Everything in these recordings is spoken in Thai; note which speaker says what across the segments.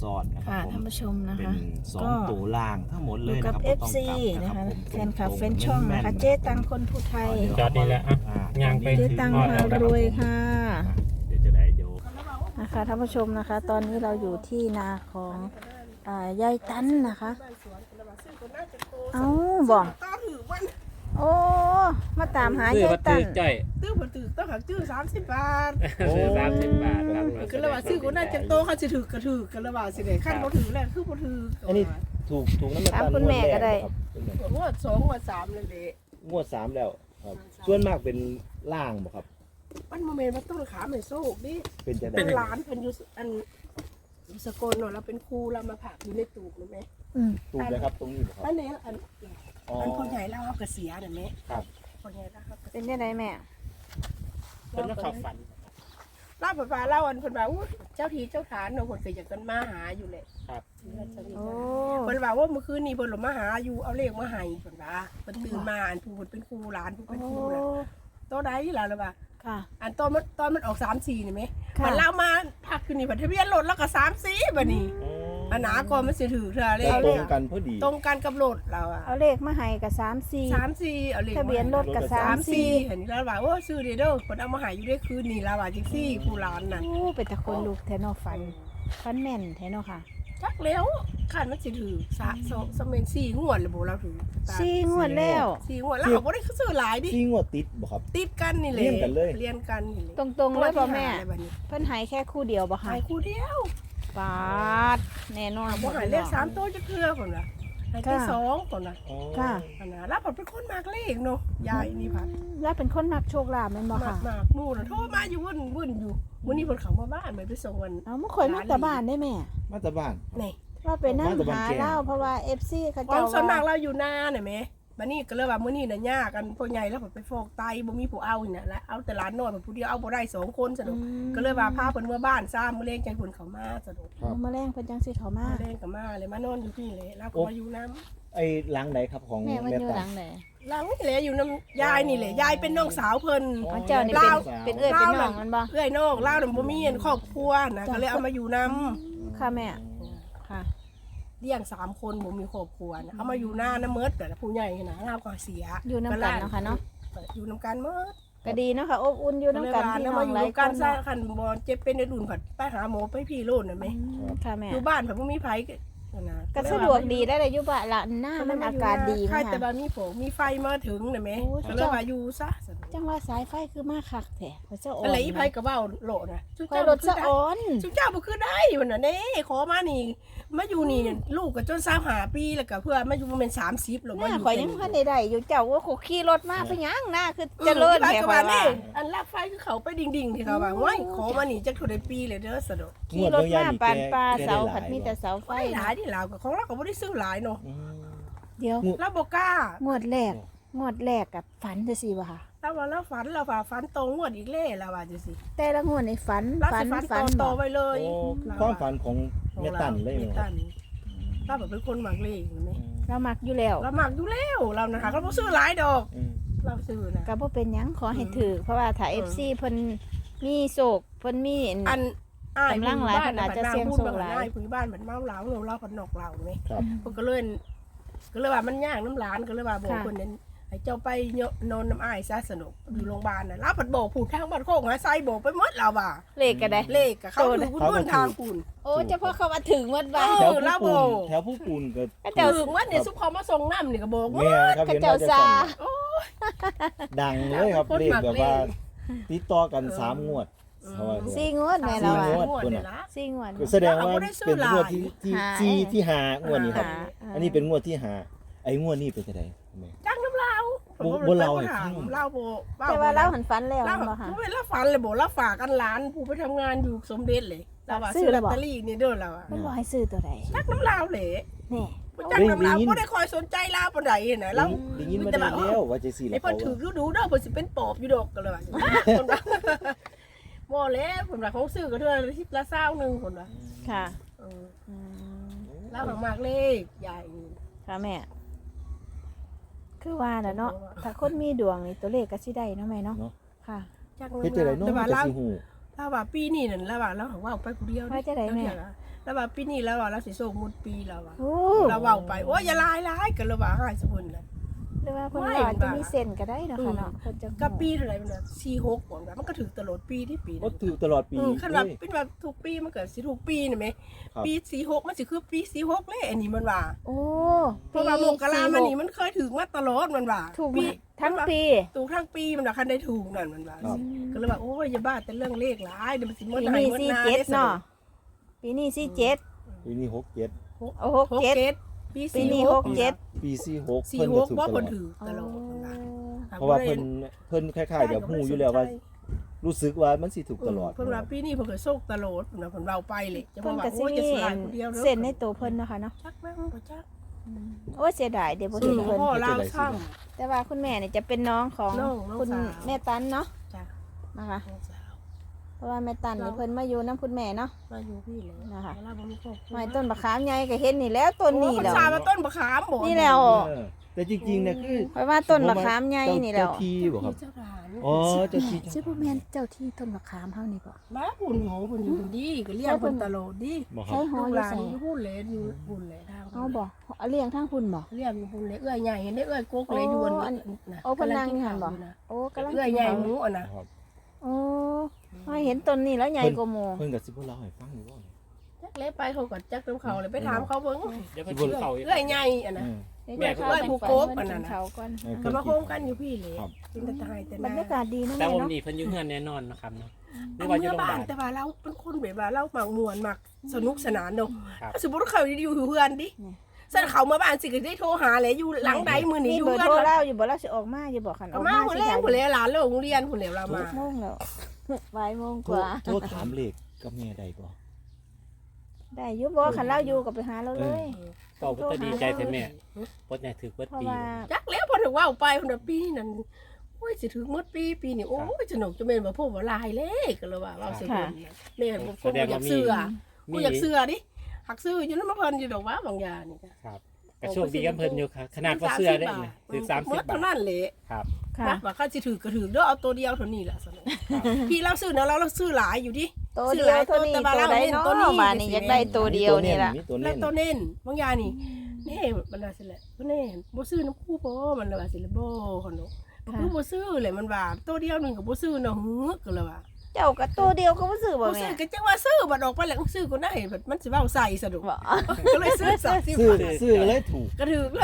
Speaker 1: ซ้อนนะครั
Speaker 2: ค่ะ
Speaker 1: บผม
Speaker 2: ท่านผู้ชมนะ
Speaker 1: เป็น
Speaker 2: คะ
Speaker 1: 2ตัวล่างทั้งหมด
Speaker 2: อ
Speaker 1: เลย
Speaker 2: ยู่
Speaker 1: นะ
Speaker 2: กับ
Speaker 1: ครับ
Speaker 2: FC นะคะ
Speaker 1: ผม
Speaker 2: แฟนคลับ
Speaker 1: ตรงๆ
Speaker 2: แฟนช่องนะคะ
Speaker 1: แม่ๆ
Speaker 2: เจ๊ตังคนผู้ไทย
Speaker 1: เดี๋ยว
Speaker 3: จอดนี่แหละอ่ะย่างไป
Speaker 2: เจ๊ตังพารวยค่ะ
Speaker 1: เดี๋ยวจะได้เดี๋ยว
Speaker 2: นะคะท่านผู้ชมนะคะ ตอนนี้เราอยู่ที่นาของยายตันนะคะเอ้าบอกโอ้มาตามหา
Speaker 3: ซื้อย
Speaker 2: าย
Speaker 3: มา
Speaker 2: ตั
Speaker 3: ตื้
Speaker 2: น
Speaker 3: อจ่อย
Speaker 4: ตื้อบ่ตื้อต้องหักตื้อ30 บาท
Speaker 3: ซื้อ30 บาทครับ
Speaker 4: ก็เลยว่าซื้อคนนั้นจังโตเขาสิถือกระถือกันแล้วว่าสิได้คันบ่ถือแล้วคือบ่ถือ
Speaker 1: อันนี้ถูกน้ำมัน
Speaker 2: ถาม
Speaker 1: ตัน
Speaker 2: คุณแม่ก็ได้
Speaker 1: ครับคุณแม่
Speaker 4: งวด2งวด3เลยเด้
Speaker 1: งวด3แล้วครับส่วนมากเป็นล่างบ่ครับ
Speaker 4: มันบ่แม่นมันต้องขาแม่โซกดิ
Speaker 1: เป็นจังได๋
Speaker 4: เป็นหลานเพิ่นอยู่อันสกลเนาะเราเป็นครูเรามาผักอยู่ในตูบรู้ไหม
Speaker 2: อืม
Speaker 1: ถูกเลยครับตรงนี้บ่ครับ
Speaker 4: อันนี้อัน
Speaker 1: อ๋อ
Speaker 4: อันคนใหญ่เราเฮาก็เสียน่ะแม่
Speaker 1: ครับ
Speaker 4: คนใหญ่เราเฮาก็
Speaker 2: เป็นยังไงแม่
Speaker 3: เป็นนักข่าวฝัน
Speaker 4: เล่าไปเล่าอันเพิ่นว่าอู้เจ้าทีเจ้าฐานเนาะเพิ่นก็อยากกันมาหาอยู่แหละ
Speaker 3: ครับ
Speaker 2: โอ้
Speaker 4: เพิ่นว่าว่าเมื่อคืนนี้เพิ่นลงมาหาอยู่เอาเลขมาให้เพิ่นว่าเพิ่นตื่นมาอันผู้เพิ่นเป็นครูหลานผู้
Speaker 2: โอ้
Speaker 4: เป็นครูน่ะโตใดล่ะล่ะว่า
Speaker 2: ค่ะ
Speaker 4: อันตอนมันออก3-4นี่แหม
Speaker 2: ค่ะ
Speaker 4: มันเล่ามาพักอยู่นี่บัดทะเบียนรถแล้วก็3-4บัดนี้อันหนาก่อนมันสิถือเทื่อเล
Speaker 1: ก็
Speaker 4: ข
Speaker 1: ตรงกันพอดี
Speaker 4: ตรงกันกับรถเราอะ
Speaker 2: เอาเลขมาให้กับ34
Speaker 4: 3-4เอาเลข
Speaker 2: ทะเบียนรถกับ
Speaker 4: 3-4เห็นแล้วว่าโอ้ซื้อเด้อเพิ่นเอามาให้อยู่ได้คืนนี้ล่ะว่าจังซี่ผู้หลานน่ะ
Speaker 2: โอ้เป็นตะคนลูกแทนอฟันแม่นแทนอค่ะ
Speaker 4: จักแล้วคันมันสิถือสะเมน4งวดเลยบ่เราถือ
Speaker 2: 4 งวดแล้ว
Speaker 4: 4งวดแล้วเขาบ่ได้ซื้อหลายดิ
Speaker 1: ที่งวดติดบ่ครับ
Speaker 4: ติดกันนี่แหละ
Speaker 1: เรียนกันเลย
Speaker 4: เรียนกันนี่แหละ
Speaker 2: ตรงๆเลยบ่แม่
Speaker 4: ตัวที่หาอะไรบัดนี้
Speaker 2: เพิ่นใหายแค่คู่เดียวบ่ค่ะ
Speaker 4: หายคู่เดียว
Speaker 2: ปาดแน่นอน
Speaker 4: บ่หายเลข3ตัวจะเครือคนน่ะหายที่2คนน่ะ
Speaker 1: อ๋อ
Speaker 2: ค่ะ
Speaker 4: อันน่ะแล้วผมเป็นคนมากเลขเนาะยายนี่พัด
Speaker 2: แล้วเป็นคนมักโชคลาภแม่นบ่
Speaker 4: มาก
Speaker 2: ค่ะ
Speaker 4: มากนู่นน่ะโทรมาอยู่วุ่นอยู่มื้อนี้เพิ่นเข้ามาบ้านเหมือนไปส่งกัน
Speaker 2: เอามาข่อยมาแต่บ้านได้แม่
Speaker 1: มาจากบ้าน
Speaker 4: นี่
Speaker 2: ว่าไปนั่ง
Speaker 1: มาแต่บ้าน
Speaker 2: หา
Speaker 1: แก
Speaker 2: เล่าเพราะว่า FC เขา
Speaker 4: ค
Speaker 2: เจ้าว
Speaker 4: ามสวนมาก
Speaker 2: ว่า
Speaker 4: เราอยู่นาน่ะแหมบัดนี้ก็เลยว่ามื้อนี้น่ะยากกันพ่อใหญ่แล้วเพิ่นไปฟอกไตบ่มีผู้เอานี่น่ะแล้วเอาแต่หลานน้อยเพิ่นผู้เดียวเอาบ่ได้2คนซะดอกก็เลยว่าพาเพิ่นเมื่อบ้านซ้ำมื้อแลงจังเพิ่นเข้ามาซะดอก
Speaker 1: ครับ
Speaker 2: เอามาแรงเพิ่นจังสิเขามา
Speaker 4: มื้อแลงก็มาเลยมานอนอยู่ที่เลยแล้วก็มาอยู่น้ำ
Speaker 1: ไอ้หลังไหนครับของ
Speaker 2: แม่มันอยู่
Speaker 1: ตั
Speaker 2: หลังไหน
Speaker 4: หลังนี่แหละอยู่น้ำยายนี่แหละยายเป็นน้องสาวเพิ่น
Speaker 2: ของเจ้านี่
Speaker 4: ลาว
Speaker 2: เป็นเอื้อยเป็นน้องมันบ่
Speaker 4: เอื้อยน้องเล่าวน่ะบ่มีอันครอบครัวนะก็เลยเอามาอยู่นํ
Speaker 2: ค่ะแม่ค่ะ
Speaker 4: เลี้ยง3คนบ่มีครอบครัวนะเอามาอยู่หน้าน้ำเมิดแต่ละผู้ใหญ่นะเราก็เสีย
Speaker 2: อยู่นำกันเนาะค่ะเนาะ
Speaker 4: อยู่นํกันเมิด
Speaker 2: ก็ดีเนาะค่ะอบอุ่นอยู่นำกันพี่
Speaker 4: แล้ว
Speaker 2: น้อ
Speaker 4: มาง อยู่
Speaker 2: หลาย
Speaker 4: นํ
Speaker 2: ค
Speaker 4: กัน
Speaker 2: น
Speaker 4: ซะ
Speaker 2: เนาะ
Speaker 4: คันบ่เจ็บเป็นในดุนผัดไปหาหมอไปพี่โลดน่ะแม่
Speaker 2: ค่ะแม่
Speaker 4: อยู่บ้านผัดบ่มีไผนะ
Speaker 2: ก็สะดวกดีได้เลยอยู่บ้านละหน้ามันอากาศดี
Speaker 4: ใคร
Speaker 2: มั้ย
Speaker 4: แต่
Speaker 2: ค่ะ
Speaker 4: บ่มีโผมีไฟมาถึงน่ะแม่
Speaker 2: โอ้ย
Speaker 4: ก็เลยว่าอยู่ซะ
Speaker 2: จังว่าสายไฟคือมาคักแท้เขาเจ้าอ่อน
Speaker 4: อะไรอีไผก็เว้าโลดน่ะ
Speaker 2: คอยรถสะอ่อน
Speaker 4: สุเจ้าบ่คือได้มันน่ะเด้ขอมานี่มาอยู่นี่ลูกก็จน25ปีแล้วก็เพื่อมาอยู่ประมาณ30แล้ว
Speaker 2: แม่
Speaker 4: มาอยู่
Speaker 2: ข่อยยังพันได้อยู่เจ้าว่าเขาขี่รถมาไปยังหน้าคือเจริญ
Speaker 4: แถ
Speaker 2: แท้
Speaker 4: ว
Speaker 2: ข่อย
Speaker 4: นี่
Speaker 2: ว่า
Speaker 4: อันลากไฟคือเขาไปดิ่งๆที่เขาว่าว้ายขอมานี่จักเท่าใดปีเลยเด้อสะดอก
Speaker 2: ขี่รถมาปานปลาเสาผัดมีแต่เสาไฟ
Speaker 4: ไฟหลายที่ลาวก็ของเราก็บ่ได้ซื้อหลายเนาะ
Speaker 1: อืม
Speaker 2: เดี๋ยว
Speaker 4: เราบ่กล้าง
Speaker 2: วดแรกกับฝันจะสิบ่ค่ะ
Speaker 4: เราว่าเราฝันเราว่าฝันตรงงวดอีกเล่แล้วว่าจังซี่
Speaker 2: แต่ละงวดในฝัน
Speaker 4: เราสิฝันต่อไว้เลย
Speaker 1: โอ้ความฝันของแม่ตันเลย
Speaker 4: แม่
Speaker 1: เนาะ
Speaker 4: ตันเราแบบเป็นคนมักเลขเห็นไหม
Speaker 2: เรามักอยู่แล้ว
Speaker 4: เรามักอยู่แล้วเรานะคะเราบ่ซื้อหลายดอก
Speaker 1: อืม
Speaker 4: เราซื้อนะ
Speaker 2: ก็บ่เป็นหยังขอให้ถือเพราะว่าถ้า FC เพิ่นมีโศกเพิ่นมี
Speaker 4: อันอ้าย
Speaker 2: กำลังหลายคนอาจจะเสี่ยงโชคหลาย
Speaker 4: อ้ายผู้บ้านมันเมาเหล้าเราผัดนอกเราไหม
Speaker 1: ครับ
Speaker 4: เพิ่นก็เลยว่ามันยากน้ำหลานก็เลยว่าบอกคนนั้นให้เจ้าไปนอนน้ำอ้ายซะสนุกอยู่โรงพยาบาลน่ะรับผัดบอกผูดทางบ้านโคกหาไซบอกไปหมดเราว่า
Speaker 2: เลขก็ได้
Speaker 4: เลขกับเขาถือคุณเดินทางคุณ
Speaker 2: โอ้เฉพาะเขามาถึงวัดบ้าน
Speaker 1: แถว
Speaker 4: ลา
Speaker 1: ผู้
Speaker 4: โบ
Speaker 1: ปูนแถวผู้ปูนก็
Speaker 2: ก็เจ้า
Speaker 4: ถึงว่าเนี่ยซุปเขามาส่งน้ำนี่ก็บอกว่า
Speaker 1: แม่ครับ
Speaker 2: เขา
Speaker 1: เห็น
Speaker 2: เจ้า
Speaker 1: ว่าจะ
Speaker 2: ซา
Speaker 1: ดังเลยครับ
Speaker 4: คน
Speaker 1: เลข
Speaker 4: มัก
Speaker 1: แบบว่า
Speaker 4: เลข
Speaker 1: ติดต่อกัน3งวดเขาว่า
Speaker 2: 4งวดแม่เรา
Speaker 1: สี่
Speaker 2: อ่ะ
Speaker 1: งวด
Speaker 4: เนี่ยละ
Speaker 2: 4งวด
Speaker 1: ก็แสดงว่าเป็นงวดที่ห้างวดนี้ครับ
Speaker 2: หา
Speaker 1: อันนี้เป็นงวดที่ห้าไอ้งวดนี้เป็นจังได๋แม่
Speaker 4: จ้างน้ำเรา
Speaker 1: บ่เล่าให้ฟัง
Speaker 4: เล่าโบ
Speaker 2: แต่ว่าเราหันฝันแล้ว
Speaker 4: เล่า
Speaker 2: บ่ค่ะ
Speaker 4: เวลาฝันเลยบอกเราฝากกันหลานผู้ไปทำงานอยู่สมเด็จเลยเราว่า
Speaker 2: ซื้
Speaker 4: ซื้
Speaker 2: อ
Speaker 4: อ
Speaker 2: แล้
Speaker 4: ล
Speaker 2: ว
Speaker 4: อต
Speaker 2: บอก
Speaker 4: เตอรี่นี่เด้อเราอะ
Speaker 2: มันบอกให้ซื้อตัวใด
Speaker 4: จักน้ำลาวเลย
Speaker 2: นี่
Speaker 4: จักน้ำลาวก็ได้คอยสนใจลาวปานใดนะเรา
Speaker 1: ได้ยินมาได้แล้วว่าจะสิ
Speaker 4: ไอ้
Speaker 1: แล้ว
Speaker 4: เพิ่นถือดูเด้อเพิ่นสิเป็นปอบอยู่ดอกกันเลยว่าคนว่าบ่แล้วเพิ่นว่าเขาซื้อก็เทื่อละ10ละ20นึงคนว่า
Speaker 2: ค่ะ
Speaker 4: เออ
Speaker 2: อืม
Speaker 4: ลาวมากเลขใหญ่
Speaker 2: ค่ะแม่ คือว่าน่ะเนาะถ้าคนมีดวงนี่ตัวเลขก็สิได้เนาะแม่เนาะค่ะ
Speaker 4: จัก
Speaker 1: เฮ็ดจังได๋เนาะ
Speaker 4: แต่
Speaker 1: มั
Speaker 4: ว่าน
Speaker 1: ก็
Speaker 4: เรา
Speaker 1: สิฮู้
Speaker 4: เราว่าปีนี้นั่นเราว่าเราของว่าออกไปผู้เดียว
Speaker 2: ว่าจะได้แม่
Speaker 4: เแล้วว่าปีนี้แล้วว่าเราสิโศกหมดปีแล้วว่า
Speaker 2: โอ้
Speaker 4: เราเว้าไปโอ้ยอย่าลายกันแล้วว่าหายสมุนน่ะ
Speaker 2: หรือว่าเพิ่นว่าจะมีเส้นก็ได้เนาะค่ะเนาะเพิ่นจะ
Speaker 4: กับปีเท่าไหร่มันน่ะ46บ่มันก็ถึงตลอดปีที่ปี
Speaker 1: ก็
Speaker 4: นั้น
Speaker 1: ถือตลอดปี
Speaker 4: คันว่าเป็นว่าทุกปีมันก็สิทุกปีนี่แหม
Speaker 1: ครับ
Speaker 4: ปี46มันสิคือปี46เลยอันนี้มันว่า
Speaker 2: โอ้
Speaker 4: เพราะว่ามกรามันนี่มันเคยถึงมาตลอดมันว่า
Speaker 2: ถูก
Speaker 4: ปี
Speaker 2: ทั้งปี
Speaker 4: ถูกทั้งปีมันว่าคันได้ถูกนั่นมันว่า
Speaker 1: ครับ
Speaker 4: ก็เลยว่าโอ้ยอย่าบ้าแต่เรื่องเลขหลายเดี๋ยวมันสิหมด
Speaker 2: ปี
Speaker 4: ให้
Speaker 2: นี้
Speaker 4: หมด
Speaker 2: สี่
Speaker 4: หน้า
Speaker 2: เจ็ด
Speaker 4: ได้
Speaker 2: เนาะปีนี้สี่เจ็ด
Speaker 1: ปีนี้หกเจ็ด
Speaker 2: โอ้หกเจ็ด
Speaker 4: ปี
Speaker 2: ปีนี้หกเจ็ด
Speaker 1: ปีสี่หก
Speaker 4: สี่
Speaker 1: เพิ่น
Speaker 4: ห
Speaker 1: ก็
Speaker 4: ก
Speaker 1: ถูก
Speaker 4: ว่า
Speaker 1: ต
Speaker 4: ค
Speaker 1: ลอน ด
Speaker 4: ถือตลอดมันว่า
Speaker 1: เพราะว่าเพิ่นคล้ายๆเดี๋ยวฮู้อยู่แล้วว่า รู้สึกว่ามันสิถูกตลอด
Speaker 4: เพิ่นว่าปีนี้เพิ่นก็โชคตลอดเพิ่นว่าเพิ่นเว้าไปเลยจะบ
Speaker 2: เพิ่
Speaker 4: อก
Speaker 2: น
Speaker 4: ว่า
Speaker 2: ก็สิ
Speaker 4: โอ้ย
Speaker 2: มี
Speaker 4: จะสลายคนเดียวด้อ
Speaker 2: เส้นในตัวเพิ่นเนาะค่ะเนาะ
Speaker 4: จักแม่งบ่จัก
Speaker 2: โอ้ยเสียดายเดี๋ยวบ่
Speaker 4: อื
Speaker 2: เห็น
Speaker 4: ม
Speaker 2: เพิ่น
Speaker 4: พ่อลาวซ้ำ
Speaker 2: แต่ว่าคุณแม่เนี่ยจะเป็นน้องของ
Speaker 4: น้อง
Speaker 2: คุณ
Speaker 4: สาว
Speaker 2: แม่ตันเนาะ
Speaker 4: จ้ะ
Speaker 2: นะคะ
Speaker 4: น้องสาว
Speaker 2: เพราะว่าแม่ตันนี่เพิ่นมาอยู่น้ำคุณแม่เนาะ
Speaker 4: มาอยู่พี่เลย
Speaker 2: นะคะ
Speaker 4: เวลาบ่มีครอบครัว
Speaker 2: ไม้ต้นบักขามใหญ่ก็เห็นนี่แล้วต้นนี้
Speaker 4: โอ้
Speaker 2: แล้
Speaker 4: ภาว ษามาต้นมะขามบ่
Speaker 2: นี่แล้ว
Speaker 1: เออแต่จริงๆเนี่ยคือ
Speaker 2: เพราะว่าต้นบักขามใหญ่นี่แล้ว
Speaker 1: เจ้าที่บ่ครับ
Speaker 4: เจ้าหลาน
Speaker 1: อ๋อเจ้าที่
Speaker 2: ชื่อบ่แม่นเจ้าที่ต้นบักขามเฮานี่บ่
Speaker 4: มาพุ่นโหพุ่นอยู่พุ่นดีก็เรียกพุ่นตลอดดี
Speaker 1: บ่ครั
Speaker 2: ใช้
Speaker 1: บ
Speaker 2: หอ
Speaker 4: ลูก
Speaker 2: อ
Speaker 4: ห
Speaker 2: ยู่
Speaker 4: ลาน
Speaker 2: ไส
Speaker 4: อยู่พุ่นเลยอยู่พุ่นเลยทาง
Speaker 2: เอาบ่เอาเลี้ยงทางพุ่นบ่
Speaker 4: เรียกอยู่พุ่นเลยเอื้อยใหญ่เห็นได้เอื้อยกกเลยอยู่บน
Speaker 2: โอ้อัน
Speaker 4: น่ะ
Speaker 2: โอ้เพิ่นนั่งอยู่หั่นบ่ โอ้กำลัง
Speaker 4: เอื้อยใหญ่หมูอ่ะนะ
Speaker 1: ครับ
Speaker 2: โอ้เฮาเห็นต้นนี้แล้วใหญ่กว่าหมู่
Speaker 1: เพิ่นก็สิบ่เล่าให้ฟังอยู่บ่
Speaker 4: จักเล็ไปเขาก็จักน้ำเขาเลยไปถามเขาเบิ่ง
Speaker 3: เดี๋ยวเพิ่นกินข้าวอีก
Speaker 4: เอื้อยใหญ่อ่ะนะ
Speaker 1: เออ
Speaker 2: เดี๋ยว
Speaker 4: แม่ก็ว่าผู้โกบอันนั้นน่ะ
Speaker 2: เขาก่อน
Speaker 1: เออ
Speaker 4: ก็มาโฮมกันอยู่พี่เลย
Speaker 1: ครับ
Speaker 4: กินแต่ตายแต่
Speaker 2: บร
Speaker 4: นาร
Speaker 2: ยากาศดีเนาะ
Speaker 3: แต่
Speaker 2: แม่
Speaker 3: วัน
Speaker 2: เนาะ
Speaker 3: นี้เพิ่นอยู่เฮือนแน่นอนนะครับเนาะหรื
Speaker 4: อั
Speaker 3: อน ว่าอยู่
Speaker 4: เมื่อ
Speaker 3: โรงพยา
Speaker 4: บ้า
Speaker 3: บาน ล
Speaker 4: แต่ว่าเราเป็นคนแบบว่าเราหมักมวนหมักสนุกสนานเนาะ
Speaker 3: ครับ
Speaker 4: สมมติเขาอยู่เพื่อนดิสั่นเขามาบ้านสิก็ได้โทรหาเลยอยู่หลังใดมือนี้
Speaker 2: มี
Speaker 4: อยู่
Speaker 2: เบอร์
Speaker 4: เพื่อน
Speaker 2: โทร
Speaker 4: เรา
Speaker 2: เล่าอยู่บ่เล่าสิออกมาอยู่บ่คันอ
Speaker 4: ก็
Speaker 2: อก
Speaker 4: มา
Speaker 2: มา
Speaker 4: คนแรกคนเลยหลานโรงเรียนคนแล้วเรามา
Speaker 2: โมงแล้ว บ่ายโมง
Speaker 1: โท
Speaker 2: ก
Speaker 1: ร
Speaker 2: ว่า
Speaker 1: โทรถามเลขกับแม่ได้บ่
Speaker 2: ได้อยู่บ่คันเล่าอยู่ก็ไปหาเราเลย
Speaker 3: เป่าก็ดีใจแท้แม่ปดใหญ่ถือเบิด
Speaker 2: เพราะ
Speaker 3: ปี
Speaker 2: ว่า
Speaker 4: จักแล้วพอถึงว่าไปคนละปีนั่นโอ้ยสิถึงหมดปีนี่โอ้ยสนุกจะเป็นแบบพวกว่าลายเลยก็เลยว่าเราเสียคนแม่ผมก็อยากเสื้อกูอยากเสื้อดิหักซื้ออยู่นั่นมาเพิ่นอยู่ดอกว่าบางอย่างนี่จ้ะ
Speaker 3: ครับก็โชคดีกันเพิ่นอยู่ครับขนาดว่าเสื้อได้เนี่ยถือ30
Speaker 4: หมด
Speaker 3: บา
Speaker 4: เท่า
Speaker 3: ท
Speaker 4: นั้นแหละ
Speaker 3: ครับ
Speaker 2: ค่ะ
Speaker 4: นะว่าเขาสิถือก็ถือเด้อเอาตัวเดียวเท่านี้แหละสนุกพี่เราซื้อนะเราซื้อหลายอยู่ดิ
Speaker 2: ตัวเดียวเท่านี้ตัวใดเนาะบ้านนี้อยากได้ตัวเดียวนี่ล่ะ
Speaker 1: มีตัว
Speaker 4: แล้
Speaker 1: เน้
Speaker 4: วน ตัวเน้นบางอย่างนี่แน่มันว่าสิแหละบ่แน่บ่ซื้อน้ำคู่บ่มันว่าสิละบ่คนเนาะคือบ่ซื้อเลยมันว่าตัวเดียวนึงก็บ่ซื้อเนาะหือก็เลยว่า
Speaker 2: เจ้าก็ตัวเดียวก็บ่ซื้อบ่
Speaker 4: บ่
Speaker 2: แม่
Speaker 4: ซื้อก็จังว่าซื้อบัดออกไปแล้วซื้อก็ได้บัดมันสิเว้าใส่สะดวก
Speaker 2: บ่
Speaker 4: ก็เลยซื้อ30
Speaker 1: ซื้อบ
Speaker 4: าท
Speaker 1: ซื้อเลยถูก
Speaker 4: ก็ถือเลย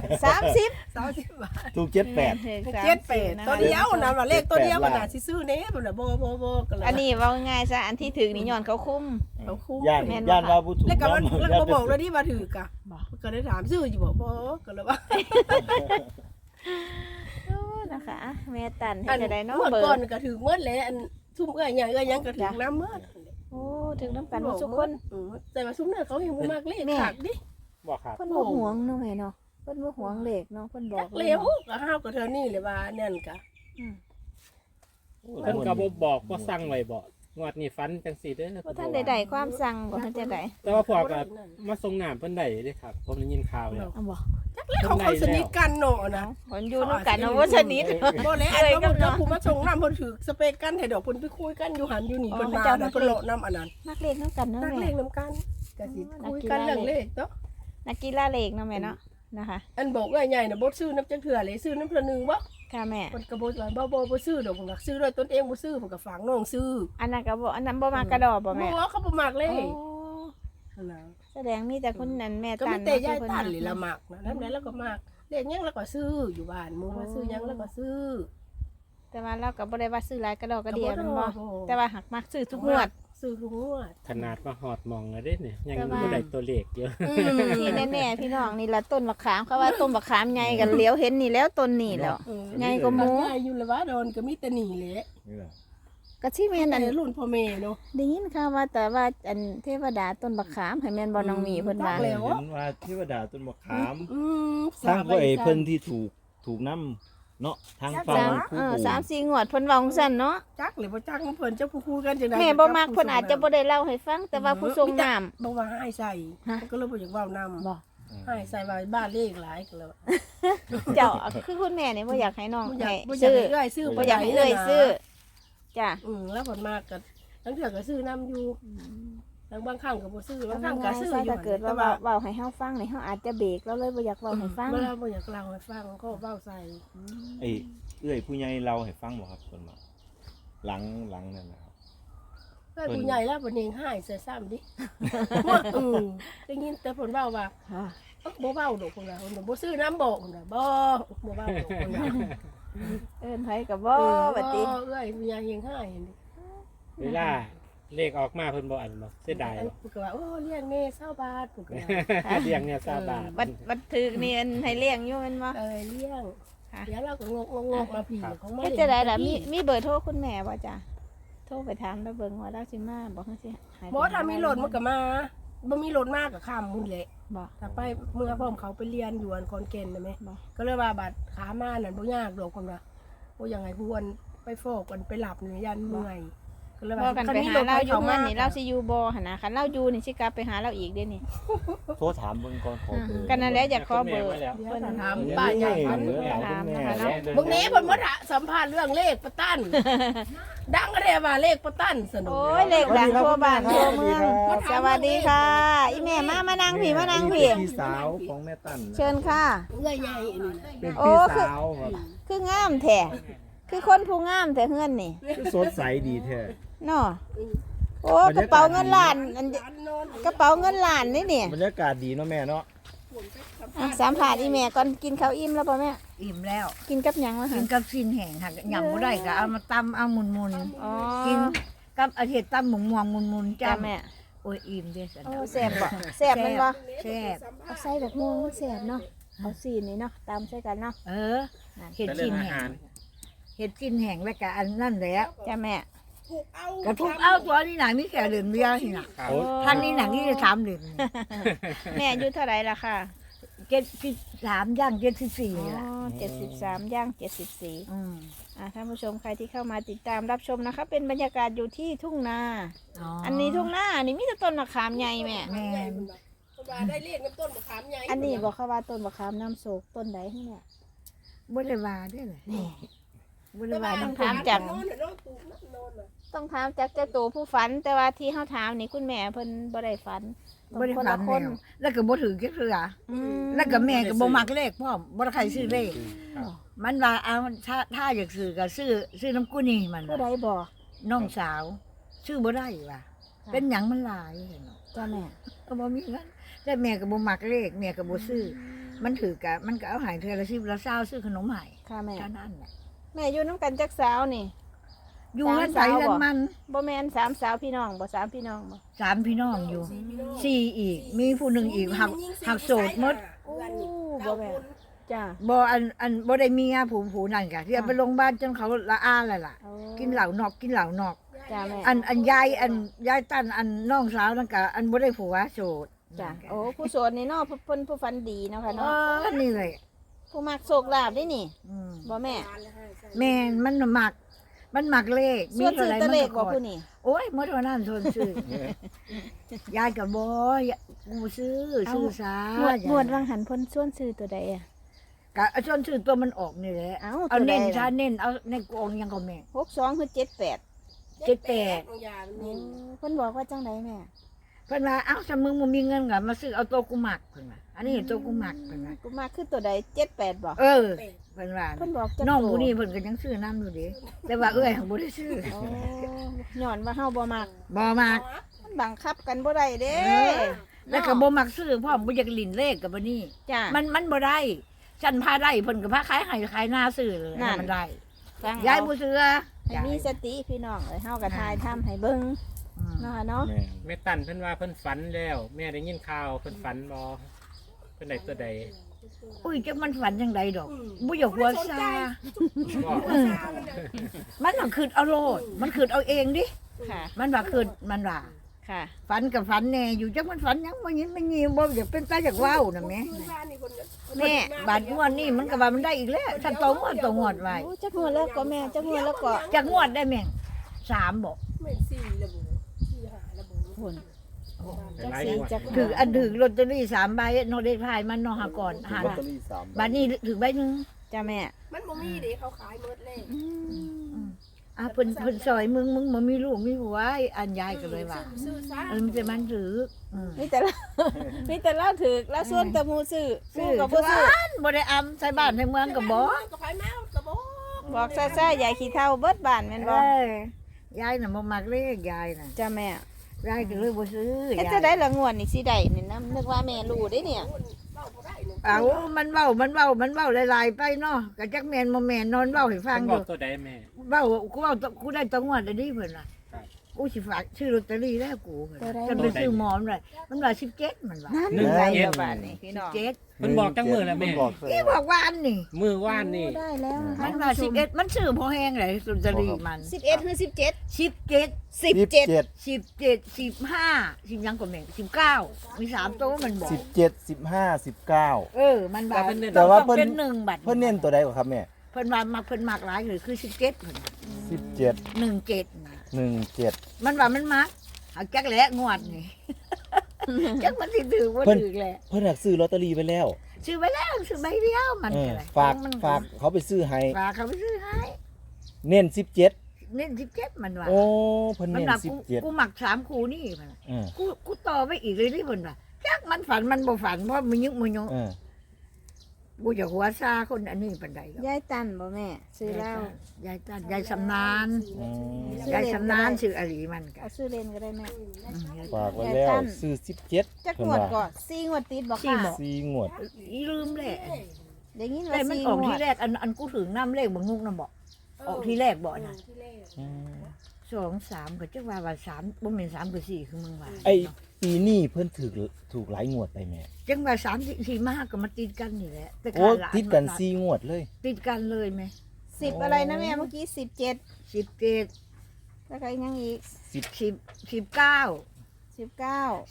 Speaker 2: 30
Speaker 4: 30บาท
Speaker 1: ถูก78
Speaker 4: 78ตัวเดียวนั่นว่าเลขตัวเดียวมันน่ะสิซื้อแน่บ่น่ะบ่ก็เลย
Speaker 2: อันนี้เว้าง่ายซะอันที่ถึงนี่ย้อนเขาคุ้ม
Speaker 4: เอาคุ้ม
Speaker 1: ย่าน
Speaker 2: แม่นบ่
Speaker 1: ย่านว่าบ่ถูก
Speaker 4: แล้วก็มัน
Speaker 1: นำ
Speaker 4: แล้วก็บอกแล้วที่ว่าถือกะ
Speaker 2: บ่
Speaker 4: ก็ได้ถามซื้ออยู่บ่ก็เลยว่า
Speaker 2: โอ้นะคะแม่ตันเฮ็ดจะได้เนาะ
Speaker 4: เมื่อ
Speaker 2: เบอ
Speaker 4: ก่อน
Speaker 2: ร์
Speaker 4: ก็ถือเมื่อแล้วอันซุ่มเอ้ยหยังเอ้ยหยังก็ถือน้ำเมื่อ
Speaker 2: โอ้ถึงน้ำกันหมดทุกคน
Speaker 4: แต่ว่าซุ่มเนี่ยเขาเห็นบ่มากเลขขาดดิ
Speaker 3: บอกครับ
Speaker 2: เพิ่นบ่หวงเนาะแม่เนาะเพิ่นบ่หวงเลขเนาะเพิ่นบอก
Speaker 4: เลวก็ห้าวก็เท่านี้เลยว่านั่นกะ
Speaker 3: เพิ่นก็บ่บอกบ่สั่งไว้บ่งวดนี้ฟันจังซี่เด้อ
Speaker 2: บ่ทันได้ความสั่งบ่ทันจะได้
Speaker 3: แต่ว่าพอก็มาส่งน้ำเพิ่นได้เด้ครับผมได้ยินข่าวแล้ว
Speaker 2: เอาบ่
Speaker 4: จักแล้วเขาสนิทกันเนาะนะ
Speaker 2: คนอยู่นำกันเนาะบ่สนิท
Speaker 4: บ่แล้วอันนั้นก็ผู้มาส่งน้ำเพิ่นถือสเปกกันให้ดอกเพิ่นไปคุยกันอยู่หันอยู่นี่เพิ่นมาแล้วเพิ่นโลดน้ำอันนั้น
Speaker 2: นักเลขนำกันเนาะ
Speaker 4: นักเล
Speaker 2: แม่
Speaker 4: ขนํกันก็สิคุยกันเรื่องเลขเนาะ
Speaker 2: นักกีฬาเลขเนาะแม่เนาะนะคะ
Speaker 4: อันบอกว่าใหญ่น่ะบ่ซื้อน้ำจังเถื่อเลยซื้อน้ำเพิ่นนึงบ่
Speaker 2: ค่ะแม่
Speaker 4: มันก็บ่ว่าบ่ซื้อดอกผมก็ซื้อด้วยตนเองบ่ซื้อผมก็ฝากน้องซื้อ
Speaker 2: อันนั้นก็บ่อันนั้นบ่มากระดอกบ่แม่
Speaker 4: บ่เขาบ่มักเลย
Speaker 2: โอ้
Speaker 4: นั่นน่ะ
Speaker 2: แสดงมีแต่คนนั้นแม่
Speaker 4: ก็
Speaker 2: ตั
Speaker 4: มี
Speaker 2: น
Speaker 4: แต่ยาย
Speaker 2: เพิ่
Speaker 4: ตัน
Speaker 2: มัก
Speaker 4: เลยละมักนะนำแล้วก็มักเรียกหยังแล้วก็ซื้ออยู่บ้านหมู่ว่าซื้อหยังแล้วก็ซื้อ
Speaker 2: แต่ว่าเราก็บ่ได้ว่าซื้อหลายกระดอกกระเดีย
Speaker 4: ก็
Speaker 2: มัน
Speaker 4: บ่
Speaker 2: บ่
Speaker 4: ได้
Speaker 2: แต่ว่าหักมักซื้อทุกงวด
Speaker 4: ซื้อทุกงวด
Speaker 3: ขนาดมาฮอดมองแล้วเด้เนี่ยยัง
Speaker 2: แต่ว่า
Speaker 3: บ่ได้ตัวเลขเยอะ
Speaker 2: ที่แน่ๆพี่น้องนี่ละต้นมะขามเขาว่าต้นมะขามใหญ่กันเลี้ยวเห็นนี่แล้วต้นนี่แล้ว ใหญ่กว่าหมู่
Speaker 4: ใหญ่อยู่ละว่าโดนก็มีแต่หนีแหละ
Speaker 1: นี่แหละ
Speaker 2: ก็ที่แม่น
Speaker 4: อั
Speaker 2: อั
Speaker 4: น
Speaker 2: น
Speaker 4: รุ่นพ่อแม่เนาะ
Speaker 2: ได้ยินข่าวว่าแต่ว่าอันเทวดาต้นมะขามให้แม่นบ่น้องมีเพิ่นว่า
Speaker 4: จักแล้ว
Speaker 1: เห็นว่าเทวดาต้นมะขาม
Speaker 4: อืม
Speaker 1: สร้างก็ไอ้เพิ่นที่ถูกน้ำเนาะทางฝั่งผู้ปู่
Speaker 2: 3-4งวดเพิ่นเว้าจังซั่นเนาะ
Speaker 4: จักหรือบ่จักเพิ่นจะพูดกันจังได๋
Speaker 2: แม่บ่มักเพิ่นอาจจะบ่ได้เล่าให้ฟังแต่ว่าผู้ทรงน้ำ
Speaker 4: บ่ว่าให้ใส่
Speaker 2: ฮะ
Speaker 4: ก็เลยบ่อยากเว้านำ
Speaker 2: บ่
Speaker 4: ให้ใส่ว่าบ้านเลขหลายก็เลย
Speaker 2: เจ้าคือคุณแม่นี่บ่อยากให้น้อง
Speaker 4: บ่อยา
Speaker 2: ให้
Speaker 4: กบ่อยาก
Speaker 2: ซื้อ
Speaker 4: ให้เอื้อยซื้อ
Speaker 2: บ่อยากให้เอ้ยซื้อจ้ะ
Speaker 4: แล้วผลมากก็ตั้งแต่ก็ซื้อน้ำอยู่แล้วบางครั้งก็บ่ซื้อบางครั้งก็ซื้ออยู่
Speaker 2: ถ้าเกิดว่าเว้าให้เฮาฟังนี่เฮาอาจจะเบรกแล้วเลยบ่อยากเว้าให้ฟัง
Speaker 4: เวลาบ่อยากเล่าให้ฟังก็เว้าใส่
Speaker 1: ไอ้เอื้อยผู้ใหญ่เราให้ฟังบ่ครับส่วนมากหลังนั่นนะครับ
Speaker 4: เพื่อนผู้ใหญ่แล้วเพิ่นเองหายใส่ซ้ำดิได้ยินแต่เพิ่นเว้าว่า
Speaker 2: ค่ะ
Speaker 4: บ่เว้าดอกเพิ่นว่าเพิ่นบ่ซื้อน้ำบอกเพิ่นว่าบ่เว้าดอกเพิ่นว่า
Speaker 2: เอิ้นไผก็บ่บัดนี้
Speaker 4: เอ้ยผู้ใหญ่เองหายนี่
Speaker 3: เวลาเลขออกมาเพิ่นบ่อันบ่เสียดายบ่
Speaker 4: เพิ่นก็ว่าโอ้เลี้ยงแม่20บาทเพิ่นก็ว่า
Speaker 3: เลี้ยงเนี่ย20 บาท
Speaker 2: บัดถึกนี่อันให้เลี้ยงอยู่แม่นบ่
Speaker 4: เลี้ยง
Speaker 2: ค่ะ
Speaker 4: เดี๋ยวเราก็งกมาผีของมัน
Speaker 2: เฮ็ดจะได้ล่ะมีเบอร์โทรคุณแม่บ่จ้ะโทรไปถามแล้วเบิ่งว่าเราสิมาบอกจังซี่ให้
Speaker 4: บ่ถ้ามีรถมันก็มาบ่มีรถมากก็ข้ามมุ่นแหละ
Speaker 2: บ่
Speaker 4: ถ้าไปเมื่อพร้อมเขาไปเรียนอยู่อันคอนแก่นน่ะแม่
Speaker 2: บ่
Speaker 4: ก็เลยว่าบัดขามานั่นบ่ยากดอกคนว่าโอ้ยังไงผู้วันไปโฟกกันไปหลับนี่ยันเมื่อยก็เลย
Speaker 2: บ่
Speaker 4: ว่า
Speaker 2: กันไปหาเราอยู่เงินนี่เราสิอยู่บ่หั่นน่ะคันเราอยู่นี่สิกลับไปหาเราอีกเด้นี่
Speaker 1: โทรถามเบิ่งก่อนขอเบอร์
Speaker 2: กันนั่นแหละอยากขอเบอร์
Speaker 3: แม่มาแล้ว
Speaker 4: เดี๋ยวจะถามป้าใหญ่
Speaker 1: เบ
Speaker 4: มัน
Speaker 1: อร์ถามคุณแม่
Speaker 2: ถามนะคะเนาะ
Speaker 4: บางนี้เพิ่นมาสัมภาษณ์เรื่องเลขประตันดังก็ได้ว่าเลขประตันสนุก
Speaker 2: โอ้ยเลขดังทั่วบ้านทั่วเมืองสวัสดีค่ะอีแม่มานั่งพี่มานั่งพี่
Speaker 1: พี่สาวของแม่ตั้น
Speaker 2: เชิญค่ะ
Speaker 4: เอื้อยใหญ่อันนี้นะ
Speaker 1: เป็น
Speaker 2: โอ้
Speaker 1: พี่สาวครับ
Speaker 2: คืองามแท้คือคนผู้งามแท้เฮือนนี่
Speaker 1: คือสดใสดีแท้
Speaker 2: เนาะโอ้กระเป๋าเงินล้านอันกระเป๋าเงินล้านนี่นี่
Speaker 1: บรรยากาศดีเนาะแม่เนาะ
Speaker 2: สัมผัสอีแม่ก่อนกินข้าวอิ่มแล้วป่ะแม่
Speaker 5: อิ่มแล้ว
Speaker 2: กินกับหยังวะ
Speaker 5: กิ
Speaker 2: คะ
Speaker 5: นกับสิ้นแห้งค่ะยำบ่ได้ก็เอามาตำเอามุน
Speaker 2: อ๋อ
Speaker 5: ๆกินกับอาเห็ดตำหมูม่วงมุนๆ
Speaker 2: จ้า
Speaker 5: จ้า
Speaker 2: แม่
Speaker 5: โอ้ยอิ่มเด้อสัน
Speaker 2: โอ้แซ่บบ่แซ่บแมันบ่
Speaker 5: แซ่บ
Speaker 2: เอาใส่แบบม่วงมันแซ่บเนาะเอาสีนี่เนาะตามใส่กันเนาะ
Speaker 5: เออเห็ดสิ้นแห้งเห็ดสิ้นแห้งแล้วก็อันนั่นแหละ
Speaker 2: จ้าแม่
Speaker 5: กระทุกเอาตัวนี้หนังนี่แค่เหลืองเดียวนี่น่ะ
Speaker 3: ครับ
Speaker 5: ท่านนี้หนังนี่จะ3เหลือง
Speaker 2: แม่อายุเท่าไหร่ล่ะค่ะ
Speaker 5: 73ย่าง74
Speaker 2: อ๋อ
Speaker 5: นี่ล่ะ
Speaker 2: 73ย่าง74
Speaker 5: อืม
Speaker 2: ท่านผู้ชมใครที่เข้ามาติดตามรับชมนะคะ เป็นบรรยากาศอยู่ที่ทุ่งนา
Speaker 5: อ๋อ
Speaker 2: อันนี้ทุ่งนาอันนี้มีแต่ต้นมะขามใหญ่แม่
Speaker 5: แม่น
Speaker 4: ว่าได้เลขน้ำต้นมะขามใหญ่
Speaker 2: อันนี้บอกเขาว่าต้นมะขามน้ำโศกต้นใดที่เนี่ย
Speaker 5: บ่ได้ว่าเด้อเลย
Speaker 2: นี่
Speaker 5: บ่ได้ว่า
Speaker 2: ต้
Speaker 5: น้
Speaker 2: องถามจาก
Speaker 4: โน่นน่ะโน่นตูนโน่นน่ะ
Speaker 2: ต้องถามจากเจ้าตัวผู้ฝัน แต่ว่าที่เฮาถามนี่คุณแม่เพิ่นบ่ได้ฝัน
Speaker 5: บ่ได้
Speaker 2: คน
Speaker 5: ฝั
Speaker 2: ละ
Speaker 5: น
Speaker 2: คน
Speaker 5: แล้วแล้วก็บ่ถือจักเทื่อ
Speaker 2: อืม
Speaker 5: แล้วก็แม่ก็บ่มักเลขพร้อมบ่ได้ใครซื้อเลข
Speaker 3: ครับ
Speaker 5: มันว่าเอาถ้าอยากซื้อก็ซื้อน้ำกุ้นี่มัน
Speaker 2: ผู้ใด
Speaker 5: ว่า
Speaker 2: บอก
Speaker 5: น้องสาว ซื้อบ่ได้ว่ะเป็นหยังมันหลายเนาะ
Speaker 2: จ้าแม่
Speaker 5: ก็บ่มีเงินแต่แม่ก็บ่มักเลขแม่ก็บ่ซื้อมันถือกะมันก็เอาใหายเทื่อละ10ละ20ซื้อขนมให้
Speaker 2: ค่ะแม่
Speaker 5: เท่านั้นแหละ
Speaker 2: แม่อยู่น้ำกันจักสาวนี่
Speaker 5: อยู่เงินไปเงินมัน
Speaker 2: บ่แม่น3สาวพี่น้องบ่3พี่น้องบ่
Speaker 5: 3พี่น้องอยู่4อีก มีผู้หนึงอีกหักโสดหมด
Speaker 2: โอ้บ่แม่จ้า
Speaker 5: บ่อันบ่ได้มีอาผู้นั่นกะที่เอาไปโรงพยาบาลจนเขาละอาแล้วล่ะ
Speaker 2: โอ้
Speaker 5: กินเหล้านอกกินเหล้านอก
Speaker 2: จ้าแม่
Speaker 5: อันยายตั้นอันน้องสาวนั่นกะอันบ่ได้ผัวโสด
Speaker 2: จ้าโอ้ผู้โสดนี่เนาะเพิ่นผู้ฝันดีเนาะค่ะ
Speaker 5: เอ
Speaker 2: เนาะ
Speaker 5: อนี่เลย
Speaker 2: ผู้มักโชคลาภได้นี่
Speaker 5: อืม
Speaker 2: บ่แม่
Speaker 5: แม่นมันหมักเลข
Speaker 2: ส่วนซื้อแตะเลขบ่
Speaker 5: มัน
Speaker 2: ผู้นี่
Speaker 5: โอ้ยหมดวันนั้นส่วนซื้อยายก็บ่กูซื้อซะ
Speaker 2: หมวดวังหันเพิ่นส่วนซื้อตัวใดอ่ะ
Speaker 5: ก็ส่วนซื้อตัวมันออกนี่แหละ
Speaker 2: เอ้า
Speaker 5: เอา
Speaker 2: ตัวใด
Speaker 5: เน้น
Speaker 2: ล่ะ
Speaker 5: ซะเน้นเอาในกองยังก็แม่
Speaker 2: 62คือ78
Speaker 5: 78
Speaker 2: เพิ่นบอกว่าจังไดแม่
Speaker 5: เพิ่นว่าเอ้าถ้ามึงบ่มีเงินก็มาซื้อเอาตัวกูหมักเพิ่นว่าอันนี้ตัวกูหมักเพิ่นว่า
Speaker 2: กูมาคือตัวใด78บ่
Speaker 5: เออเพิ่นว่า
Speaker 2: เพิ่นบอกจัก
Speaker 5: น้อง
Speaker 2: ตัว
Speaker 5: ผู้นี้เพิ่นก็ยังซื้อน้ำอยู่เดิแต่ว่าเอ้ยหั้นบ่ได้ซื้อ
Speaker 2: โอ้ย้อนว่าเฮาบ่มัก
Speaker 5: บ่มัก
Speaker 2: มันบังคับกันบ่ได้เด้
Speaker 5: แล้วก็บ่มักซื้อพร้อมบ่อยากลิ้นเลขกับบ่นี่
Speaker 2: จ้า
Speaker 5: มันบ่ได้ฉันพาได้เพิ่นก็พาขายให้ขายหน้าซื้อเลย
Speaker 2: นั่น
Speaker 5: มันได้
Speaker 2: ฟัง
Speaker 5: ยาย
Speaker 2: เอา
Speaker 5: บ่ซื้อ
Speaker 2: ให้มีสติพี่น้องเอ้ยเฮาก็ทายทำให้เบิ่ง
Speaker 5: อืม
Speaker 2: เนาะเนาะ
Speaker 1: แม่
Speaker 3: แม่ตั้นเพิ่นว่าเพิ่นฝันแล้ว แม่ได้ยินข่าวเพิ่นฝันบ่เพิ่นได้ตัวใด
Speaker 5: อุ้ยจักมันฝันจังไดดอกบ่อยากหัวซา
Speaker 3: บ่
Speaker 5: มันน่ะคิดเอาโลดมันคิดเอาเองดิ
Speaker 2: ค่ะ
Speaker 5: มันว่าคิดมันว่า
Speaker 2: ค่ะ
Speaker 5: ฝันกับฝันแน่อยู่จักมันฝันหยังบ่ยินไม่ยินบ่อยากเป็นตาอยากเว้าน่ะแหม่
Speaker 2: แม่
Speaker 5: บาดงวดนี้มันก็ว่ามันได้อีกแล้วถ้าโตงวดไว้
Speaker 2: โอ้จักงวดแล้วก็แม่จักงวดแล้วก็
Speaker 5: จักงวดได้แม่ง3บ่
Speaker 4: ไม่สี่ระบุสี่หาระบุ
Speaker 2: พุ่น
Speaker 3: หลายงวด
Speaker 2: จัก
Speaker 5: ถืออันถือลอตเตอรี่3ใบเนาะเลขท้ายมันเนาะหาก่อนหา
Speaker 1: ลอตเตอรี่3
Speaker 5: บัดนี้ถือใบหนึง
Speaker 2: จ้าแม่
Speaker 4: มันบ่มีเด้เขาขายหมดเลย
Speaker 2: อืม
Speaker 5: เพิ่นซอยมึงบ่มีลูกมีผัวอันยายก็เลยว่า
Speaker 4: ซื้อซะ
Speaker 5: มันจะมันถือ
Speaker 2: มีแต่ละ มีแต่ละถึกแล้วส่วนแตะมูซื้อ
Speaker 5: ซื้อ
Speaker 2: กับ
Speaker 5: ผู้
Speaker 2: ผู้ซื้อ
Speaker 5: บ่ได้อำใส่บ้านใส่เมืองก็บ่
Speaker 4: ก็ไปมาก็บ่
Speaker 2: บอกซ่าๆยายขี้เท่าเบิดบ้านแม่นบ่
Speaker 5: ยายน่ะบ่มักเลขยายน่ะ
Speaker 2: จ้าแม่
Speaker 5: ยายก็เลยบ่ซื้อ
Speaker 2: เฮ็ดจะได้ละงวดนี่สิได้นี่นะนึกว่าแม่รู้ได้เนี่ย
Speaker 5: เอามันเว้าหลายๆไปเนาะก็จักแม่นบ่แม่นนอนเว้าให้ฟัง
Speaker 3: เพิ่น
Speaker 5: อบ ยู่
Speaker 3: อกตัวใดแม่
Speaker 5: เว้ากูได้ตัวงวดได้ดิเพิ่นน่ะ
Speaker 3: ครับ
Speaker 5: กูสิฝากชื่อลอตเตอรี่แล้วกูเพิ่น
Speaker 2: ตัวใด
Speaker 5: จะไปซื้อหมอมเลยมันว่า17มันว่า
Speaker 2: นั่น
Speaker 3: หนึ่ง
Speaker 2: ไง
Speaker 3: เจ็ด
Speaker 2: ละบาทนี่พี่น้อง
Speaker 5: 17
Speaker 3: เพิ่นบอกจังมือแล้วแม่
Speaker 1: เพิ่นบอก
Speaker 5: ที่บอกว่าอันนี่
Speaker 3: มือว่านนี่
Speaker 2: ได้แล้วนะคะ
Speaker 5: มันว่า11มันซื้อพอแห้งเลยลอตเตอรี่มัน
Speaker 2: 11หรือ17
Speaker 5: 17
Speaker 2: 17
Speaker 5: 17 15 10ยังก็แม่ง19มี3ตัวมันบอก
Speaker 1: 17 15 19
Speaker 5: มันว่า
Speaker 1: แต่ว่า
Speaker 5: ต้อง
Speaker 1: เพิ่
Speaker 5: เป็น น1บัตร
Speaker 1: เพิ่นเน้นตัวใดกว่าครับแม่
Speaker 5: เพิ่นว่ามักเพิ่นมักหลายเลยคือ17เพิ่น
Speaker 1: 17
Speaker 5: 17นะ
Speaker 1: 17
Speaker 5: มันว่ามันมักเอาจักแหละงวดนี่ จักมันสิถือบ่ถือแหละ
Speaker 1: เพิ่นอยากซื้อลอตเตอรี่ไปแล้ว
Speaker 5: ซื้อไปแล้วซื้อใบเดียวมัน
Speaker 1: เออ
Speaker 5: ก็เลย
Speaker 1: ฝาก
Speaker 5: มัน
Speaker 1: ฝากเขาไปซื้อให้
Speaker 5: ฝากเขาไปซื้อให้
Speaker 1: เน้น17
Speaker 5: เน้น17มันว่า
Speaker 1: โอ้เพิ่น
Speaker 5: มัน
Speaker 1: เน้น
Speaker 5: ว่ากู
Speaker 1: 17
Speaker 5: หมัก3คู่นี่มันว่า
Speaker 1: เออ
Speaker 5: กูต่อไปอีกเลยที่เพิ่นว่าจักมันฝันมันบ่ฝันเพราะมันยึกมันยง
Speaker 1: เออ
Speaker 5: กูจะหัวซาคนอันนี้ปานใดหรอก
Speaker 2: ยายตันบ่แม่ซื้อแล้ว
Speaker 5: ยายตันยายสำนาน
Speaker 1: อืม
Speaker 5: ยายสำนานชื่ออลีมันก็
Speaker 2: เอาซื้อเล่นก็ได้แม่
Speaker 1: ฝากไว้แล้วซื้อ17
Speaker 2: จัก
Speaker 1: เพิ่
Speaker 2: ง
Speaker 1: น
Speaker 2: วด
Speaker 1: ว่า
Speaker 2: ก่อน4งวดติดบ่ค่ะ
Speaker 1: 4งวด
Speaker 5: อีลืมแหละ
Speaker 2: ได้ยิน
Speaker 5: แต่
Speaker 2: ว่า
Speaker 5: มัน
Speaker 2: 4
Speaker 5: ออก
Speaker 2: งว
Speaker 5: ที่
Speaker 2: ด
Speaker 5: แรกอันกูถึงน้ำเลขบางงุกน่ะบอกออกที่แรกบอกนะ
Speaker 1: อืม
Speaker 5: 2 3ก็จักว่า3บ่แม่น3ก็4คือมึงว่า
Speaker 1: ไอ้ปีนี้เพิ่นถูกหลายงวดไปแม่
Speaker 5: จังว่า3 4 5ก็มาติดกันนี่แหละแต่
Speaker 1: โอ้
Speaker 5: หลา
Speaker 1: ติดกัน4งวดเลย
Speaker 5: ติดกันเลยไหม
Speaker 2: 10อะไรนะแม่เมื่อกี้17
Speaker 5: 17
Speaker 2: แล้วก็อีกยังอีก
Speaker 5: 10 19
Speaker 2: 19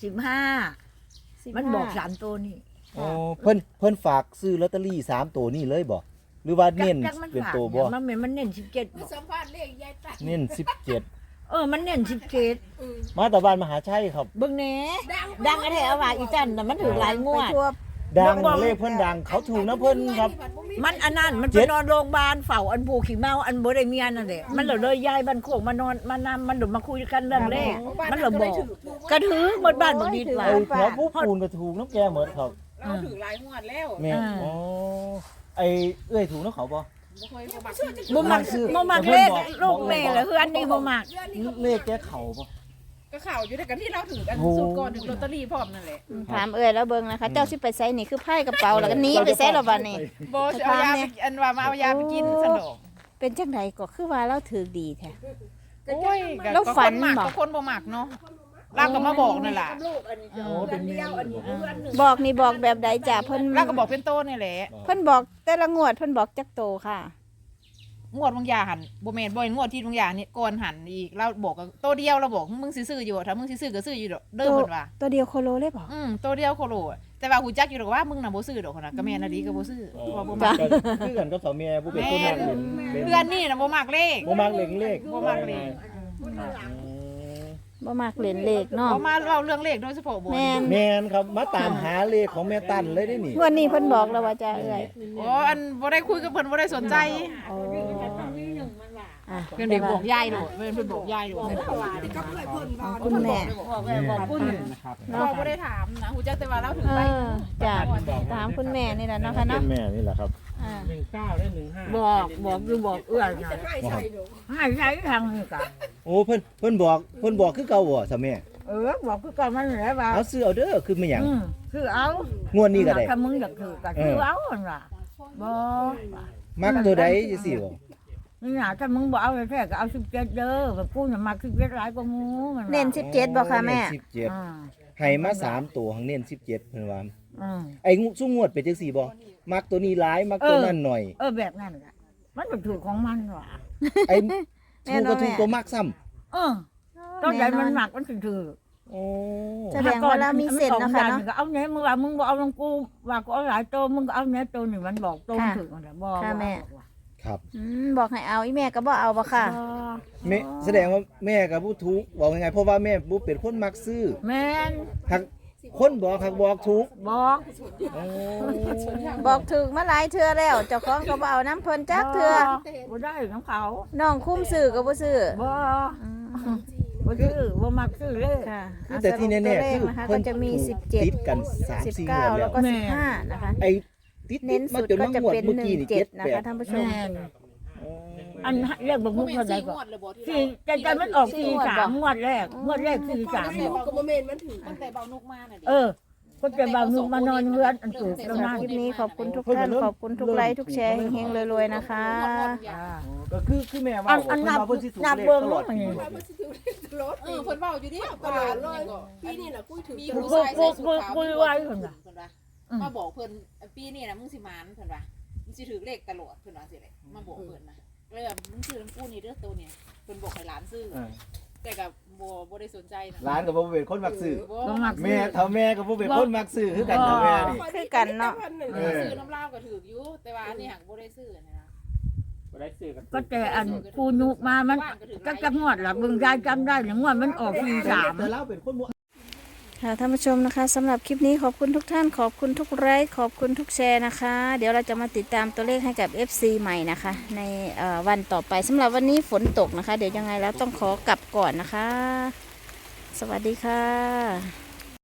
Speaker 5: 15มันบอก3ตัวนี่
Speaker 1: โอ้เพิ่นฝากซื้อลอตเตอรี่3ตัวนี่เลยบ่หรือว่าเน้น
Speaker 5: จักมัน
Speaker 1: เป็น
Speaker 5: ฝาก
Speaker 1: ตัวบ่
Speaker 5: มันแม่นมันเน้น17บ
Speaker 4: มา
Speaker 5: อก
Speaker 4: สัมภาษณ์เลขยายตัด
Speaker 1: เน้น17
Speaker 5: มันเน้น17
Speaker 1: มาตะบ้านมหาชัยครับ
Speaker 5: เบิ่งแหน่ดังอะแท้เอาว่าอีจันน่ะมันถือหลายงวด
Speaker 2: ไปทั่ว
Speaker 1: ดัง
Speaker 5: บอก
Speaker 1: เลขเพิ่นดังเขาถูกนะเพิ่นครับ
Speaker 5: มันอันนั้นมันไปนอนโรงพยาบาลเฝ้าอันผูขี้เมาอันบ่ได้เมียนั่นแหละมันเลยย้ายบ้านโคกมานอนมานำมันมาคุยกันเรื่องเลขมันเลยบอกกระถือหมดบ้านบ่ดีว่า
Speaker 1: ไอ้แถวผู้ปูนก็ถูกน้ำแกเหมือนครับ
Speaker 4: เราถือหลายงวดแล้ว
Speaker 1: แม่อ๋อไอ้เอ้ยถูกน้ำเขาบ่
Speaker 4: บ่เคยบ่มัก
Speaker 5: บ่มักบ่มักเลขลูกแม่เหรอคืออันนี้บ่มัก
Speaker 1: เลขแกเขาบ่
Speaker 4: ก็ข่าวอยู่ด้วยกันที่เราถือกัน
Speaker 1: โอ้
Speaker 4: สุดก่อนถึงลอตเตอรี่พร้อมนั่นแหละ
Speaker 2: ถามเอ้ยแล้วเบิ่งนะคะ เจ้าสิไปไสนี่คือไพ่กระเป๋าแล้วก็หนีไปไสแล้วบัดนี้
Speaker 4: บ่สิเอายาไปอันว่ามาเอายาไปกินสนอง
Speaker 2: เป็นจังไดก็คือว่าเราถือดีแท้
Speaker 4: โอ้ย
Speaker 2: แล้วฝัน
Speaker 4: ก็คมัก
Speaker 2: บ่
Speaker 4: ก็คนบ่มักเนาะเราก็มาบอกนั่นล่ะ
Speaker 1: โอ้เป็นเมีย
Speaker 2: บอกนี่บอกแบบใดจ้ะเพิ่น
Speaker 4: เราก็บอกเป็นโตนี่แหละ
Speaker 2: เพิ่นบอกแต่ละงวดเพิ่นบอกจักโตค่ะ
Speaker 4: งวดบางอย่างหันบ่แม่นบ่งวดที่บางอย่างนี่ก่อนหันอีกเราบอกกันโตเดียวเราบอกมึงสิซื้ออยู่ถ้ามึงสิซื้อก็ซื้ออยู่ดอกเด้อเพิ่นว่า
Speaker 2: ตัวเดียวโคโลเลยบอก
Speaker 4: โตเดียวโคโลอะแต่ว่าหูจักอยู่ดอกว่ามึงน่ะบ่ซื้อดอกคนน่ะก็แม่นอะดีก็บ่ซื้อเพราะว่าบ่มัก
Speaker 1: คือกันกับสาวเมียผู้เป็นคนมักเล่น
Speaker 4: เพื่อนนี่น่ะบ่มักเลข
Speaker 1: บ่มักเล่นเลข
Speaker 4: บ่มักเลข
Speaker 2: บ่มักเล่นเลขเนาะ
Speaker 4: บ่มาเล่าเรื่องเลขโดยเฉพาะบ่
Speaker 2: แม่น
Speaker 1: แม่นครับมาตามหาเลขของแม่ตั้นเลยได้นี่
Speaker 2: งวดนี้เพิ่นบอกแล้วว่าจะเอ้ย
Speaker 4: โอ้อันบ่ได้คุยกับเพิ่นบ่ได้สนใจ
Speaker 2: โอ้อ่ะ
Speaker 4: เพิ่นได้บอกยายโดดเพิ่นบอกยายโดด
Speaker 2: ของคุณแม่
Speaker 5: บอกคุณ
Speaker 3: นะครับ
Speaker 4: เราบ่ได้ถามนะหูจักแต่ว่าเราถึง
Speaker 2: เอ
Speaker 4: ไป
Speaker 2: อจ้ะถามคุณแม่นี่แหละเนาะค่ะ
Speaker 1: เป็
Speaker 2: เนาะ
Speaker 1: นแม่นี่แหละครับ
Speaker 2: อ่า
Speaker 3: 19ได้15
Speaker 5: บอกอยู่บอกเอื้อนะให้ใช้ทางนี่ก็
Speaker 1: โอ้เพิ่นบอกคือเก่าบ่สาวเมีย
Speaker 5: บอกคือก่อนมันแหละว่า
Speaker 1: เอาซื้อเอาเด้อคือไม่หยัง
Speaker 5: คือเอา
Speaker 1: งวดนี้ก็ได้
Speaker 5: ถ้ามึงอยากถือก็คือเอาหั่นล่ะบ่
Speaker 1: มักตัวใดจังซี่บ่
Speaker 5: นี่น่ะถ้ามึงบ่เอาแท้ๆก็เอา17เด้อแบบกูน่ะมัก17หลายกว่าหมู่มันว่า
Speaker 2: เน้น17บ่ค่ะแม่
Speaker 1: 17
Speaker 5: อ่า
Speaker 1: ให้มา3ตัวหังเน้น17เพิ่นว่า
Speaker 5: อืม
Speaker 1: ไอ้ซุ่มงวดเป็นจังซี่บ่มักตัวนี้หลายมักตัวนั้นหน่อย
Speaker 5: แบบนั้นล่ะมันเป็นถูกของมันว่ะ
Speaker 1: ไอ้ถูกก็ถูกตัวมักซ้ำ
Speaker 5: ตอนใหญ่มันหนักมันถึงถือ
Speaker 1: โอ้
Speaker 2: แสดงว่าเรามีเส้นเนาะค่ะเนาะ
Speaker 5: ก็เอาเนี้ยมึงว่ามึงบอกเอาลงกูว่ากูเอาหลายตัวมึงก็เอาเนี้ยตัวหนึ่งมันบอกตัวมันถึงมันบอก
Speaker 2: ค่ะแม่
Speaker 1: ครับ
Speaker 2: บอกให้เอาอีแม่ก็บ่เอาบ่ค่ะ
Speaker 1: แม่แสดงว่าแม่กับผู้ถูกบอกยังไงเพราะว่าแม่ผู้เป็นคนมักซื้อ
Speaker 5: แม่น
Speaker 1: หักคนบอกครับบอกถูก
Speaker 5: บอก
Speaker 1: โอ้
Speaker 2: บอกถึงมาหลายเทื่อแล้วเจ้าของก็บ่เอาน้ำเพิ่นจักเทื่อ
Speaker 5: บ่ได้ของเขา
Speaker 2: น้องคุ้มซื้อก็บ่ซื้อ
Speaker 5: บ่
Speaker 2: อืม
Speaker 5: บ่ซื้อบ่มักซื้อเลย
Speaker 2: ค่ะ
Speaker 1: แต่ที่แน่ๆ
Speaker 2: ตัวเล
Speaker 1: คื
Speaker 2: ข
Speaker 1: อ
Speaker 2: นะคะ
Speaker 1: เพิ่
Speaker 2: ก็
Speaker 1: น
Speaker 2: จะมี
Speaker 1: ถูกติดกัน
Speaker 2: 17
Speaker 1: 3-4งวด
Speaker 2: 19
Speaker 1: แล้
Speaker 2: แล้ว
Speaker 1: ว
Speaker 2: ก็15นะคะ
Speaker 1: ไอ้ติด
Speaker 2: เน้นสุด
Speaker 1: มาจน
Speaker 2: ก็
Speaker 1: มา
Speaker 2: จะ
Speaker 1: งวด
Speaker 2: เป็น
Speaker 1: เมื่อกี้นี่
Speaker 2: 17นะคะท่านผู้ชม
Speaker 5: แม่นอันเรียกบ่มุกเท่าใดก็สี่แต่มันออก43งวดแรก43
Speaker 4: ลูกก็บ่แม่นมันถือ
Speaker 6: ตั้งแต่เบานุกมาน่ะดิ
Speaker 5: คนจะบ่าวนุกมานอนเฮือนอันถูกแล้วนั่น
Speaker 2: คลิปนี้ขอบคุณทุกท่านขอบคุณทุกไลค์ทุกแชร์เฮงๆรวยๆนะคะ
Speaker 1: ก็คือแม่ว่า
Speaker 5: อันนับ
Speaker 1: เพิ่นสิถูก
Speaker 5: นับ
Speaker 1: เลข
Speaker 5: เบิ่ง
Speaker 1: ตลอด
Speaker 5: มัน
Speaker 1: ปี
Speaker 4: ว่ามันสิถือตลอด
Speaker 6: เออเพิ่นเว้าอยู่ดิ
Speaker 4: ตลอดเลยปีนี้น่ะกูถือ
Speaker 6: มี
Speaker 4: ตล
Speaker 6: ผู้
Speaker 4: อด
Speaker 6: ชายใส่สูทขาว
Speaker 5: คุยไว้เพิ่นว่า
Speaker 6: เพิ่นว่ามาบอกเพิ่นปีนี้นะมึงสิหมานเพิ่นว่ามึงสิถือเลขตลอดเพิ่นว่าสิเลยมาบอกเพิ่นนะเลยแบบมึงซื้อน้ำกูนี่เด้อตัวเนี่ยเพิ่นบอกให้หลานซื้อ
Speaker 1: เออ
Speaker 6: แต่ก็บ่ได้สนใจนะ
Speaker 1: ร้านก็บ่เป็นคนมักซื้อ
Speaker 6: บ่
Speaker 5: บ่มัก
Speaker 1: แม่เฒ่าแม่ก็บ่เป็นคนมักซื้อคือกันเฒ่าแม่นี่
Speaker 2: คือกันเนาะ
Speaker 1: เออ
Speaker 6: ซื้อน้ำเหล้าก็ถืออยู่แต่ว่าอันนี้หักบ่ได้ซื้อนะ
Speaker 3: บ่ได้ซื้อกัน
Speaker 5: ก็แต่อันกูนุกมามันจักงวดล่ะเบิ่งยายจำได้งวดมันออก
Speaker 1: แต่เราเป็นคนบ่
Speaker 2: ค่ะท่านผู้ชมนะคะสำหรับคลิปนี้ขอบคุณทุกท่านขอบคุณทุกไลค์ขอบคุณทุกแชร์นะคะ เดี๋ยวเราจะมาติดตามตัวเลขให้กับ FC ใหม่นะคะ ในวันต่อไปสำหรับวันนี้ฝนตกนะคะ เดี๋ยวยังไงแล้วต้องขอกลับก่อนนะคะ สวัสดีค่ะ